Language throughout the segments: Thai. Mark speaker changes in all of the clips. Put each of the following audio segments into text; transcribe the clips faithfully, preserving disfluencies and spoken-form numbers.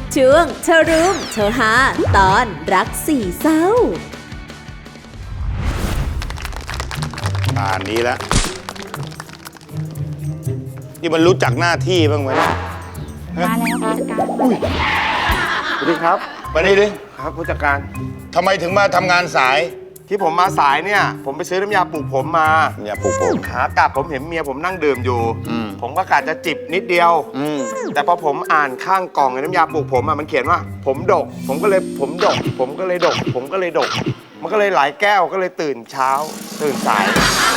Speaker 1: ช่วงเชอรูมเชอฮาตอนรักสี่เศร้า
Speaker 2: ป่านนี้แล้วนี่มันรู้จักหน้าที่บ้างไหม
Speaker 3: มาแล้วผู้จัดการอุ้ย
Speaker 4: สวัสดีครับ
Speaker 2: มานี่ดิ
Speaker 4: ครับผู้จัดการ
Speaker 2: ทำไมถึงมาทำงานสาย
Speaker 4: ที่ผมมาสายเนี่ยผมไปซื้อน้ำยาปลูกผมมา
Speaker 2: อย่าปลุกผม
Speaker 4: ขากลับผมเห็นเมียผมนั่งดื่มอยู่
Speaker 2: อืม
Speaker 4: ผมก็กะจะจิบนิดเดียว
Speaker 2: อืม
Speaker 4: แต่พอผมอ่านข้างกล่องน้ำยาปลูกผมอะมันเขียนว่า ผมดก ผมก็เลยผมดก ผมก็เลยดก ผมก็เลยดก มันก็เลยหลายแก้วก็เลยตื่นเช้า ตื่นสาย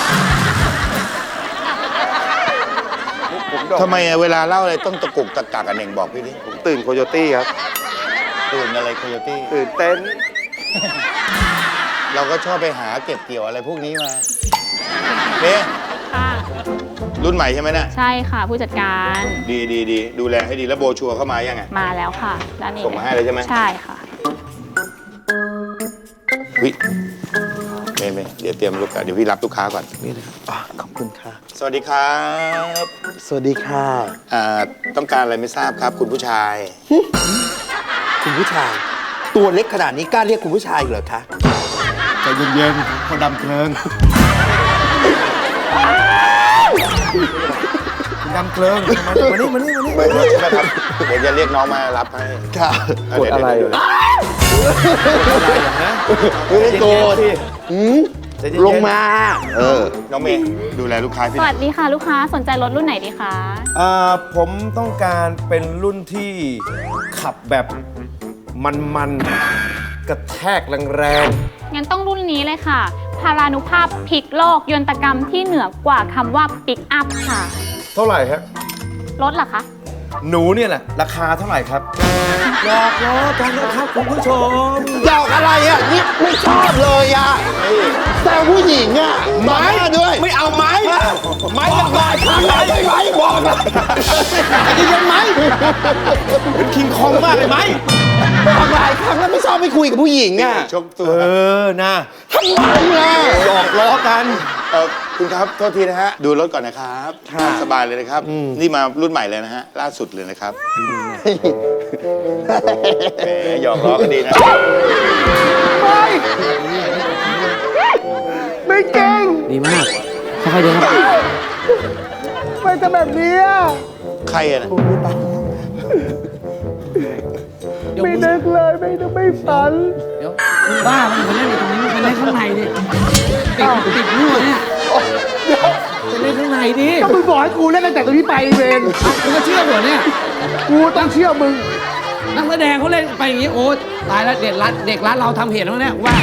Speaker 4: ผมดก
Speaker 2: ทำไมอะเวลาเล่าอะไรต้องตะกุกตะกักกันเองบอกพี่ดิ
Speaker 4: ผมตื่นโคโยตี้ครับ
Speaker 2: ตื่นอะไรโคโยตี้
Speaker 4: ตื่นเต้น
Speaker 2: เราก็ชอบไปหาเก็บเกี่ยวอะไรพวกนี้มาเนี่ย
Speaker 3: ค่ะ
Speaker 2: รุ่นใหม่ใช่ไหมเนี่ย
Speaker 3: ใช่ค่ะผู้จัดการ
Speaker 2: ดีดีดีดูแลให้ดีแล้วโบชัวร์เข้ามายังไง
Speaker 3: มาแล้วค่ะด้านนี้
Speaker 2: ส่งมาให้เลยใช่ไหม
Speaker 3: ใช่ค่ะ
Speaker 2: วิเมย์เมย์เดี๋ยวเตรียมลูกค้าเดี๋ยวพี่รับลูกค้าก่อน
Speaker 5: นี่เลยครับขอบคุณค่ะ
Speaker 2: สวัสดีครับ
Speaker 5: สวัสดีค่ะ
Speaker 2: อ่าต้องการอะไรไม่ทราบครับ คุณผู้ชาย
Speaker 5: คุณผู้ชาย ตัวเล็กขนาดนี้กล้าเรียกคุณผู้ชายเหรอคะ
Speaker 4: ใจเย็นๆเขาดำเพลิงดำเพลิงมานี่มานี่มานี่
Speaker 2: ไม่ไม่นะครับเดี๋ยวจะเรียกน้องมารับให้
Speaker 5: ค่ะ
Speaker 2: กดอะไร
Speaker 5: ไม่ได้โกรธหืมลงมา เออ
Speaker 2: น้องเมย์ดูแลลูกค้าพี่
Speaker 3: สวัสดีค่ะลูกค้าสนใจรถรุ่นไหนดีคะ
Speaker 4: อ่าผมต้องการเป็นรุ่นที่ขับแบบมันๆกระแทกแรง
Speaker 3: งั้นต้องรุ่นนี้เลยค่ะ พารานุภาพพลิกโลกยนตกรรมที่เหนือกว่าคำว่าปิกอัพค่ะ
Speaker 4: ๆเท่าไหร่ครับ
Speaker 3: รถเหรอคะ
Speaker 4: หนูเนี่ยแหละราคาเท่าไหร่ครับหยอกล้อกันนะครับคุณผู้ชม
Speaker 5: ดอกอะไรอ่ะนี่ไม่ชอบเลยอ่ะแต่ผู้หญิงอ่ะไม้ด้วย
Speaker 4: ไม่เอาไม้ไม้จะบาด
Speaker 5: ทำไมไม่ไม้บอกเลย
Speaker 4: ไอ้ที่ยังไม้เป็นคิงคองมากเลยไหม
Speaker 5: บอกหลายครั้งแล้วไม่ชอบไม่คุยกับผู้หญิงอ่ะ
Speaker 2: ชกตัว
Speaker 4: เออนะ
Speaker 5: ทำไมล่ะ
Speaker 4: หยอกล้อกัน
Speaker 2: เออคุณครับโทษทีนะฮะดูรถก่อนนะครับสบายเลยนะครับ นี่มารุ่นใหม่เลยนะฮะล่าสุดเลยนะครับแหมหยอกล้อกันดีนะ
Speaker 4: ไม่เก่ง
Speaker 6: ดีมากค่อยๆเดินครับ
Speaker 4: ไม่ทำแบบนี้
Speaker 2: ใครอะนะ
Speaker 4: ไม่นึกเลยไม่นึกไม่ฝัน
Speaker 6: เดี๋ยวบ้ามันไปเล่นอยู่ตรงนี้มันไปเล่นข้างในดิติดติดรั่วเนี่ยไปเล่นข้างในดิ
Speaker 4: ก็มึงบอกให้กูเล่นตั้งแต่ตรงนี้ไปเวร
Speaker 6: มึงก็เชื่อเหรอเนี่ย
Speaker 4: กูต้องเชื่อมึง
Speaker 6: นักแสดงเขาเล่นไปอย่างงี้โอ้ตายแล้วเด็กรัดเด็กรัดเราทำเหตุแล้วเนี่ยว่า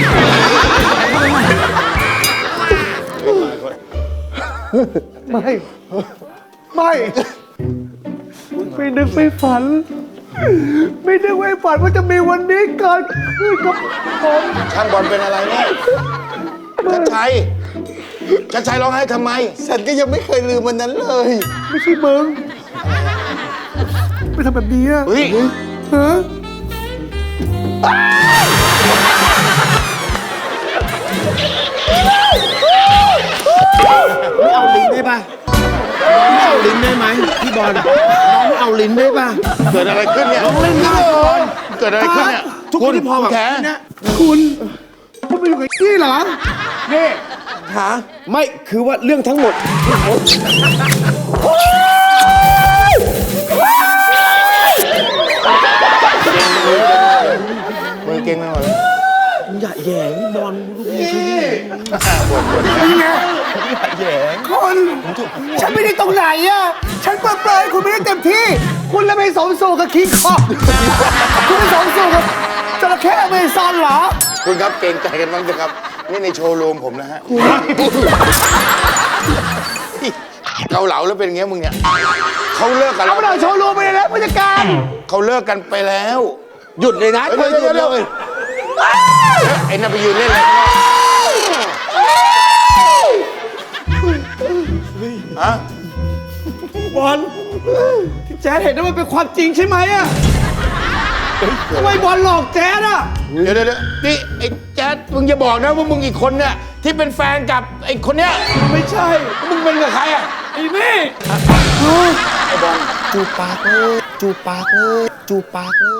Speaker 4: ไม่ ไม่ ไม่นึกไม่ฝัน ไม่นึกไม่ฝันว่าจะมีวันนี้เกิดขึ้นกับผม
Speaker 2: ช่างบอลเป็นอะไรเนี่ยชัดชัยชัดชัยร้องไห้ทำไม
Speaker 5: ฉันก็ยังไม่เคยลืมวันนั้นเลย
Speaker 4: ไม่ใช่มึง ไม่ทำแบบนี้อะ
Speaker 2: เฮ้ย
Speaker 4: ฮะ
Speaker 5: ไม่เอาลิ้นได้ป่ะไม่เอาลิ้นได้ไหมพี่บอลน้องไม่เอาลิ้นได้ป่ะ
Speaker 2: เกิดอะไรขึ้นเนี่ย
Speaker 5: น้องเล่นได้เหรอ
Speaker 2: เกิดอะไรขึ้นเนี่ย
Speaker 5: ทุกคนที่พอแบบ
Speaker 2: แข
Speaker 5: นะ
Speaker 4: คุณ คุณไปอยู่กับนี่เหรอ นี่
Speaker 5: ฮะ
Speaker 4: ไม่คือว่าเรื่องทั้งหมด
Speaker 2: มือเก่งไม่หมดเลย
Speaker 5: อย่าแหย่งพี่บอลลูกมือช่วยนี่
Speaker 4: นี่ไงคนฉันไม่ได้ตรงไหนอะฉันเปรยๆคุณไม่ได้เต็มที่ คุณเลยไปสมสู่กับคิงคองคุณไปสมสู่กับจระเข้อเมซอนเหรอ
Speaker 2: คุณครับเกรงใจกันบ้างนะครับ นี่ในโชว์รูมผมนะฮะเกาเหลาแล้วเป็นอย่างเงี้ยมึงเนี่ยเขาเลิกกันแล้
Speaker 4: เอา
Speaker 2: ว
Speaker 4: ไปหน่อยโชว์รูมไปเลยแล้วผู้จัดการ
Speaker 2: เขาเลิกกันไปแล้ว
Speaker 5: หยุดเลยนะ
Speaker 2: เฮ้ย
Speaker 5: เธอหยุด
Speaker 2: เดี๋ยว
Speaker 5: เลย
Speaker 2: ไอ้นั่นไปยืนเล่นเลยฮะ
Speaker 4: บอลที่แจ๊ดเห็นนั้นมันเป็นความจริงใช่ไหมอะทำไมบอลหลอกแจ๊ดอะ
Speaker 2: เดี๋ยวเดี๋ยวเดี๋ยวนี่ไอ้แจ๊ดมึงอย่าบอกนะว่ามึงอีกคนเนี่ยที่เป็นแฟนกับไอ้คนเนี้ย
Speaker 4: ไม่ใช่
Speaker 2: มึงเป็นกับใครอ่ะ
Speaker 4: ไอ้นี่
Speaker 2: ไอ้บอล
Speaker 5: จูบปากเลยจูบปากเลยจูบปากเลย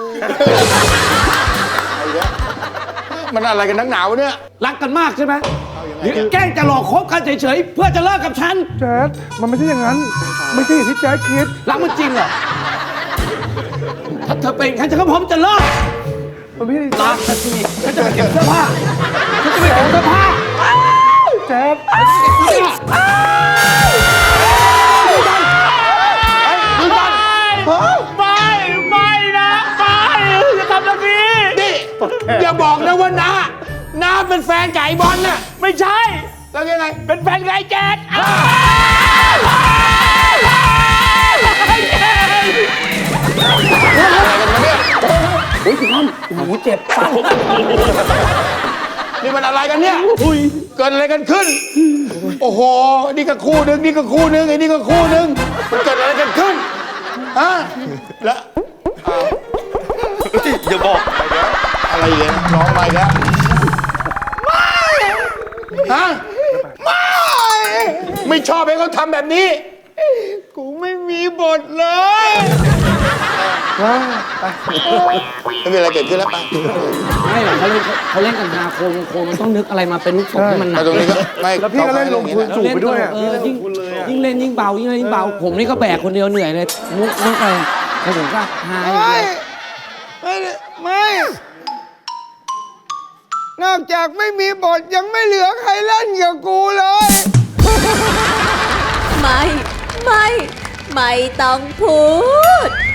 Speaker 2: มันอะไรกันนักหนาวะเนี่ย
Speaker 6: รักกันมากใช่ไหมหรือแกล้งจะหลอกคบกันเฉยๆเพื่อจะเลิกกับฉัน
Speaker 4: แจ๊ดมันไม่ใช่อย่างนั้น ไม่ใช่อย่างที่แจ๊ดคิด
Speaker 6: รักมันจริงเหรอถ้าเธอเป็นฉันจะก็พร้อมจะเลิก
Speaker 4: มันไม่ใช่
Speaker 6: รักฉันสิฉันจะไปเก็บเสื้อผ้าฉันจะไปเก็บเสื้อผ้า
Speaker 4: แจ๊ด
Speaker 6: ไม่ไม่นะไม่อย่าทำแบบนี้
Speaker 2: นี่ อย่าบอกนะว่าน้าน้าเป็นแฟนไก่บอลน่ะ
Speaker 6: ไม่ใช่
Speaker 2: แล้วยังไง
Speaker 6: เป็นแฟนไงแจ๊ด
Speaker 2: อะไรกันมาเนี่ย
Speaker 6: โอ้ยคุณน้ำโอ้โหเจ็บปาก
Speaker 2: นี่มันอะไรกันเนี่ยเกิดอะไรกันขึ้น โอ้โห นี่ก็คู่หนึ่งนี่ก็คู่หนึ่งไอ้นี่ก็คู่หนึ่งมันเกิดอะไรกันขึ้น ฮะ แล้ว
Speaker 5: อย่าบอก
Speaker 2: อะไรอีกเนี่ยร้องมาอีกแล้วฮะ ไม่ ไม่ชอบให้เขาทำแบบนี้ กูไม่มีบทเลย
Speaker 4: ว้าไป
Speaker 2: ไม่มีอะไรเกิดขึ้นแล้วไป
Speaker 6: ไม่หรอกเขาเล่นเขาเล่นกันฮาโคมโคมมันต้องนึกอะไรมาเป็นลูกศรให้มันหนั
Speaker 2: มาก ตรงนี้ก็ไม่
Speaker 4: แล้วพี่ก็เล่นลงทุน
Speaker 2: เขา
Speaker 4: สูบไปด้วยอะ
Speaker 6: เออยิ่งยิ่งเล่นยิ่งเบายิ่งเล่นยิ่งเบาผมนี่ก็แบกคนเดียวเหนื่อยเลยมุกมุกอะไรแล้วผมก็หาย
Speaker 7: ไม่ไม่ไม่ นอกจากไม่มีบทยังไม่เหลือใครเล่นกับกูเลย
Speaker 1: ไม่ ไม่ ไม่ต้องพูด